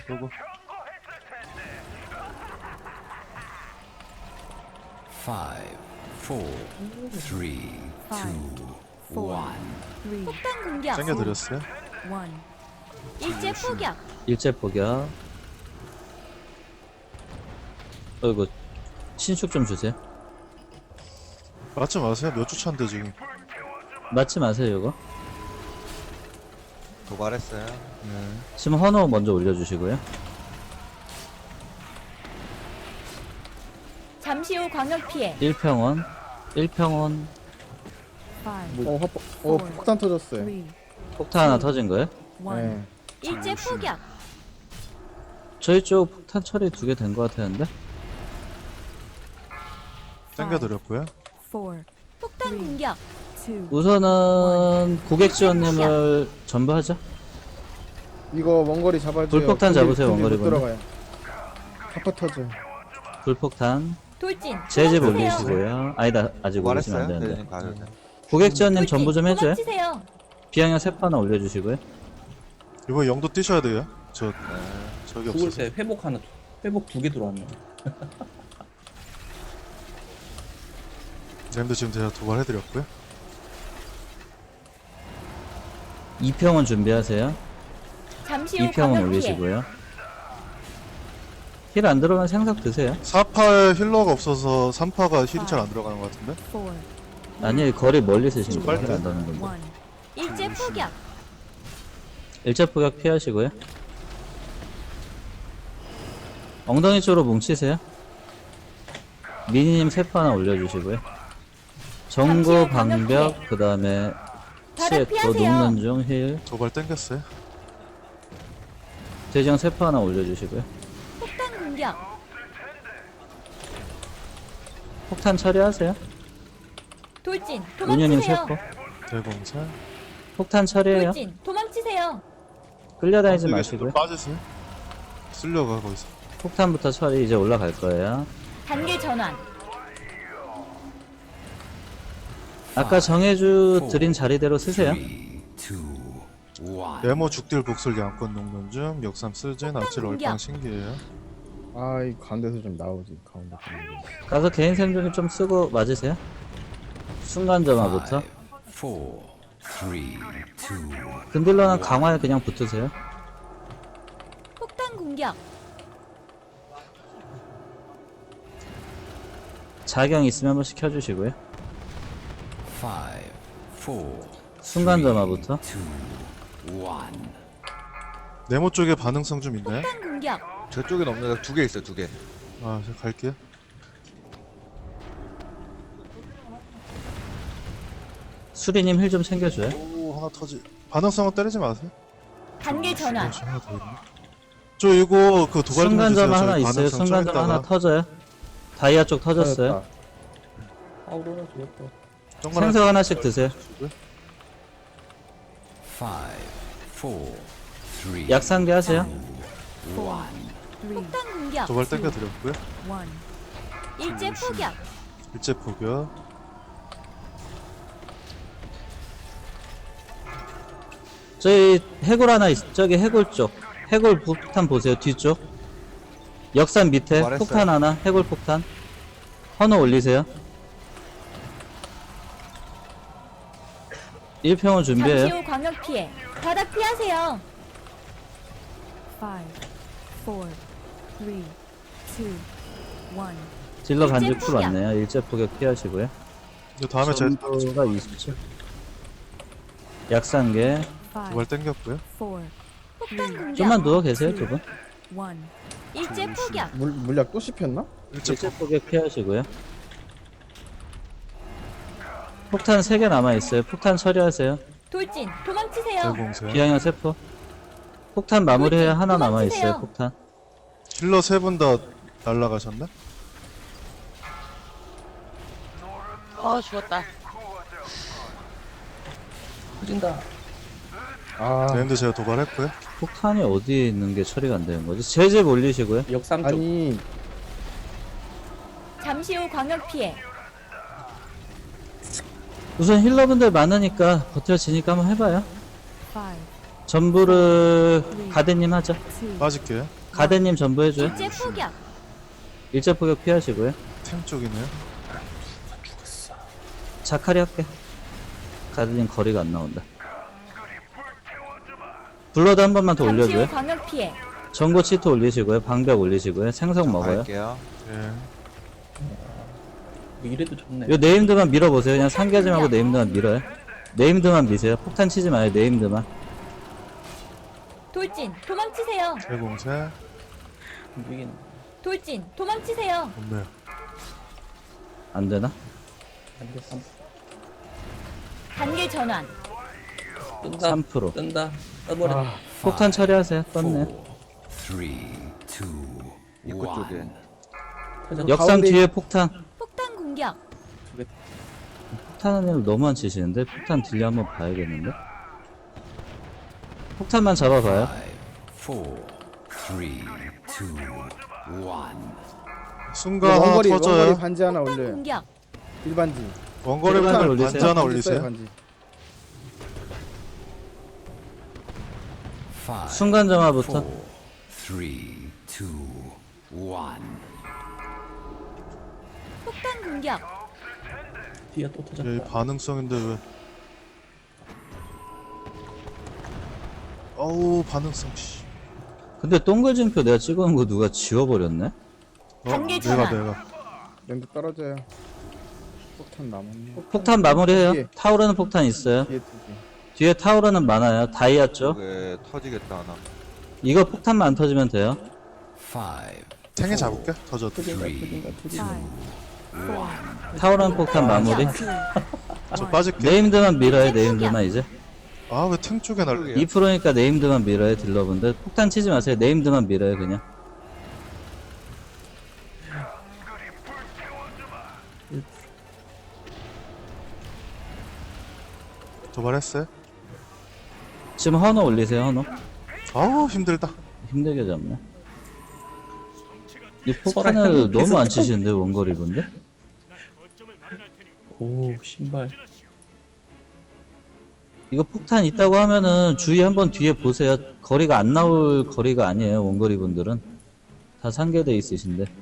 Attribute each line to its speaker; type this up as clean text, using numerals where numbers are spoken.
Speaker 1: 쏘고.
Speaker 2: 5, 4, 3, 2, 1.
Speaker 3: 폭탄 공격.
Speaker 1: 땡겨드렸어요.
Speaker 3: 일제 포격.
Speaker 4: 일제 포격. 어이구, 신축 좀 주세요.
Speaker 1: 맞지 마세요. 몇 주 차인데 지금.
Speaker 4: 맞지 마세요, 이거.
Speaker 5: 도발했어요.
Speaker 1: 네.
Speaker 4: 지금 헌호 먼저 올려주시고요.
Speaker 3: 잠시 후 광역 피해.
Speaker 4: 1평원. 1평원.
Speaker 6: 폭탄 터졌어요.
Speaker 4: 폭탄 하나 터진 거예요?
Speaker 6: 네.
Speaker 3: 일제 포격.
Speaker 4: 저희 쪽 폭탄 처리 2개 된 거 같았는데?
Speaker 1: 땡겨드렸고요.
Speaker 3: 폭탄 공격.
Speaker 4: 우선은 고객 지원님을 전부 하자.
Speaker 6: 이거 원거리 잡아줘요.
Speaker 4: 불폭탄 잡으세요, 원거리
Speaker 6: 못 들어가요. 카파 터져.
Speaker 4: 불폭탄.
Speaker 3: 돌진.
Speaker 4: 제집
Speaker 3: 도망치세요.
Speaker 4: 올리시고요. 아니다, 아직 올리시면 안
Speaker 5: 도발했어요.
Speaker 4: 되는데.
Speaker 5: 네, 가요. 네.
Speaker 4: 고객 지원님
Speaker 3: 돌진.
Speaker 4: 전부 좀 해줘요.
Speaker 3: 도망치세요.
Speaker 4: 비양형 세포 하나 올려주시고요.
Speaker 1: 이거 영도 뛰셔야 돼요. 저 저기
Speaker 7: 죽을
Speaker 1: 없어서.
Speaker 7: 때 회복 하나, 회복 2개 들어왔네.
Speaker 1: 램도 지금 제가 도발해드렸고요.
Speaker 4: 2평원 준비하세요.
Speaker 3: 잠시 후
Speaker 4: 2평원
Speaker 3: 광역 피해.
Speaker 4: 올리시고요. 힐 안 들어가면 생각 드세요.
Speaker 1: 4파에 힐러가 없어서 3파가 힐이 잘 안 들어가는 것 같은데.
Speaker 4: 아니, 거리 멀리 쓰시는
Speaker 1: 빨리
Speaker 4: 거힐 안 닿는 건데.
Speaker 3: 일제 포격.
Speaker 4: 일자 포격 피하시고요. 엉덩이 쪽으로 뭉치세요. 미니님 세포 하나 올려주시고요. 정구,
Speaker 3: 잠시 후
Speaker 4: 방벽,
Speaker 3: 광역
Speaker 4: 그 다음에
Speaker 3: 바닥
Speaker 4: 치에 또
Speaker 3: 피하세요.
Speaker 4: 녹는 중 힐.
Speaker 1: 도발 땡겼어요.
Speaker 4: 대장 세포 하나 올려주시고요.
Speaker 3: 폭탄 공격.
Speaker 4: 폭탄 처리하세요.
Speaker 3: 돌진.
Speaker 4: 운현님
Speaker 3: 도망치세요.
Speaker 4: 세포.
Speaker 1: 대공사.
Speaker 4: 폭탄 처리해요.
Speaker 3: 돌진. 도망치세요.
Speaker 4: 끌려다니지
Speaker 1: 이게
Speaker 4: 마시고요.
Speaker 1: 좀 빠지세요. 쓸려가 거기서.
Speaker 4: 폭탄부터 처리 이제 올라갈 거예요.
Speaker 3: 단계 전환.
Speaker 4: 아까 정해주 드린 자리대로 쓰세요.
Speaker 2: 3, 2, 1.
Speaker 1: 네모 죽딜 복술 양권 녹는 중. 역삼 쓰진 아찔
Speaker 3: 공격.
Speaker 1: 얼빵 신기해요.
Speaker 6: 아, 이 가운데서 좀 나오지. 가운데.
Speaker 4: 가서 개인 생존기 좀 쓰고 맞으세요. 순간점화부터.
Speaker 2: 4, 3, 2,
Speaker 4: 근딜러는 강화에 그냥 붙으세요.
Speaker 3: 폭탄 공격.
Speaker 4: 자경 있으면 한번 시켜주시고요.
Speaker 2: 5, 4,
Speaker 4: 순간점화부터.
Speaker 2: 2, 1.
Speaker 1: 네모 쪽에 반응성 좀 있나요?
Speaker 3: 폭탄 공격.
Speaker 5: 저 쪽엔 없는데 2개 있어요. 2개.
Speaker 1: 아, 저 갈게요.
Speaker 4: 수리님 힐 좀 챙겨줘요.
Speaker 1: 오, 하나 터지. 반응성은 때리지 마세요.
Speaker 3: 단계 전환.
Speaker 1: 혹시 하나 더 있나? 저 이거 그 도발 좀 해주세요.
Speaker 4: 순간점화 하나
Speaker 1: 저희
Speaker 4: 있어요.
Speaker 1: 반응성 좀
Speaker 4: 순간점화 하나
Speaker 1: 있다가
Speaker 4: 터져요. 다이아 쪽 터졌어요.
Speaker 7: 아우로라 죽었다.
Speaker 1: 정말
Speaker 4: 생석 하나씩 드세요.
Speaker 2: 5, 4, 3,
Speaker 4: 약상계 하세요.
Speaker 2: 1.
Speaker 3: 폭탄 공격.
Speaker 1: 도발 땡겨드렸고요.
Speaker 3: 일제 포격.
Speaker 1: 일제 포격.
Speaker 4: 저희 해골 하나 저기 해골 쪽. 해골 폭탄 보세요. 뒤쪽. 역산 밑에
Speaker 5: 말했어요.
Speaker 4: 폭탄 하나. 해골 폭탄. 헌호 올리세요. 1평원
Speaker 3: 잠시
Speaker 4: 준비해요.
Speaker 3: 후 광역 피해. 바닥 피하세요.
Speaker 8: 5, 4, 3, 2, 1.
Speaker 4: 딜러
Speaker 3: 일제
Speaker 4: 반지 쿨
Speaker 3: 포격.
Speaker 4: 왔네요. 일제 포격 피하시고요.
Speaker 1: 이거 다음에 제가
Speaker 4: 전도가 27. 약상계.
Speaker 8: 5,
Speaker 1: 도발 땡겼고요.
Speaker 8: 4,
Speaker 3: 폭탄 공격.
Speaker 4: 좀만 누워 계세요, 두 분.
Speaker 8: 1.
Speaker 3: 일제 포격.
Speaker 6: 물약 또 씹혔나?
Speaker 1: 일제
Speaker 4: 일제 포격 피하시고요. 폭탄 3개 남아있어요. 폭탄 처리하세요.
Speaker 3: 돌진. 도망치세요.
Speaker 1: 대공사.
Speaker 4: 비양형 세포. 폭탄 마무리해야 하나
Speaker 3: 도망치세요.
Speaker 4: 남아있어요. 폭탄.
Speaker 1: 힐러 3분 다 날라가셨나?
Speaker 9: 죽었다.
Speaker 7: 터진다.
Speaker 6: 아,
Speaker 1: 네임도 제가 도발했고요.
Speaker 4: 폭탄이 어디에 있는 게 처리가 안 되는 거지? 제집 올리시고요.
Speaker 7: 역삼 쪽.
Speaker 6: 아니,
Speaker 3: 잠시 후 광역 피해.
Speaker 4: 우선 힐러분들 많으니까 버텨지니까 한번 해봐요.
Speaker 8: 5,
Speaker 4: 전부를 가드님 하죠.
Speaker 8: 2,
Speaker 1: 빠질게요.
Speaker 4: 가대님 전부 해줘요.
Speaker 3: 일제 포격.
Speaker 4: 일제 포격 피하시고요.
Speaker 1: 템 쪽이네요.
Speaker 4: 자카리 할게. 가대님 거리가 안 나온다. 블러드 한 번만 더
Speaker 3: 잠시 후
Speaker 4: 올려줘요.
Speaker 3: 광역 피해.
Speaker 4: 전고 치트 올리시고요. 방벽 올리시고요. 생성 먹어요.
Speaker 5: 갈게요.
Speaker 1: 예.
Speaker 7: 뭐 이래도 좋네.
Speaker 4: 요 네임드만 밀어보세요. 그냥 상기하지 말고 네임드만 밀어요. 네임드만 미세요. 폭탄 치지 마요. 네임드만.
Speaker 3: 돌진, 도망치세요.
Speaker 1: 대공세.
Speaker 7: 이긴.
Speaker 3: 돌진, 도망치세요.
Speaker 1: 없네요.
Speaker 4: 안 되나?
Speaker 7: 안돼 3.
Speaker 3: 단계 전환.
Speaker 7: 뜬다.
Speaker 4: 3%.
Speaker 7: 뜬다. 떠버려.
Speaker 4: 폭탄 처리하세요. 떴네.
Speaker 2: 3, 2,
Speaker 5: 입구 쪽에.
Speaker 2: 1.
Speaker 7: 터졌다.
Speaker 4: 역상
Speaker 6: 가운데
Speaker 4: 뒤에 폭탄.
Speaker 3: 폭탄 공격.
Speaker 4: 폭탄 을 너무 안 치시는데? 폭탄 딜리 한번 봐야겠는데? 폭탄만 잡아봐요.
Speaker 2: 5, 4, 3, 2, 1.
Speaker 1: 순간 하나
Speaker 6: 원거리
Speaker 1: 터져요.
Speaker 6: 반지 하나
Speaker 3: 폭탄
Speaker 6: 올려요.
Speaker 3: 공격.
Speaker 6: 일반지.
Speaker 1: 원거리
Speaker 4: 일반을
Speaker 1: 분들
Speaker 4: 올리세요.
Speaker 1: 반지 하나
Speaker 6: 써요,
Speaker 1: 올리세요.
Speaker 6: 반지.
Speaker 2: 5,
Speaker 4: 순간 점화부터.
Speaker 2: 3, 2, 1.
Speaker 3: 폭탄 공격.
Speaker 7: 뒤에 또 터졌다.
Speaker 1: 예, 반응성인데 왜? 어우 반응성 씨.
Speaker 4: 근데 동글진표 내가 찍어놓은 거 누가 지워버렸네?
Speaker 3: 단계
Speaker 1: 내가
Speaker 3: 전환.
Speaker 6: 랜드 떨어져요. 폭탄 남았네.
Speaker 4: 폭탄 마무리해요.
Speaker 6: 뒤에.
Speaker 4: 타오르는 폭탄 있어요.
Speaker 6: 뒤에 두 개.
Speaker 4: 뒤에 타오르는 많아요. 다이아 쪽.
Speaker 5: 쪽에 터지겠다 하나.
Speaker 4: 이거 폭탄만 안 터지면 돼요.
Speaker 2: 5,
Speaker 1: 탱에 잡을게. 터져도.
Speaker 7: 터진다. 터진다. 터진다.
Speaker 8: 5,
Speaker 4: 타오르는 폭탄 마무리.
Speaker 1: 저 빠질게.
Speaker 4: 네임드만 밀어요. 네임드만 이제.
Speaker 1: 아 왜 탱 쪽에 날?
Speaker 4: 2%니까 네임드만 밀어요. 딜러분들. 폭탄 치지 마세요. 네임드만 밀어요. 그냥.
Speaker 1: 도발했어요?
Speaker 4: 지금 헌호 올리세요. 헌호.
Speaker 1: 아우 힘들다.
Speaker 4: 힘들게 잡네. 이
Speaker 7: 설아
Speaker 4: 폭탄을
Speaker 7: 형님
Speaker 4: 너무 안
Speaker 7: 계속
Speaker 4: 치시는데 원거리 분들?
Speaker 7: 오 신발.
Speaker 4: 이거 폭탄 있다고 하면은 주위 한번 뒤에 보세요. 거리가 안 나올 거리가 아니에요. 원거리 분들은 다 상계돼 있으신데.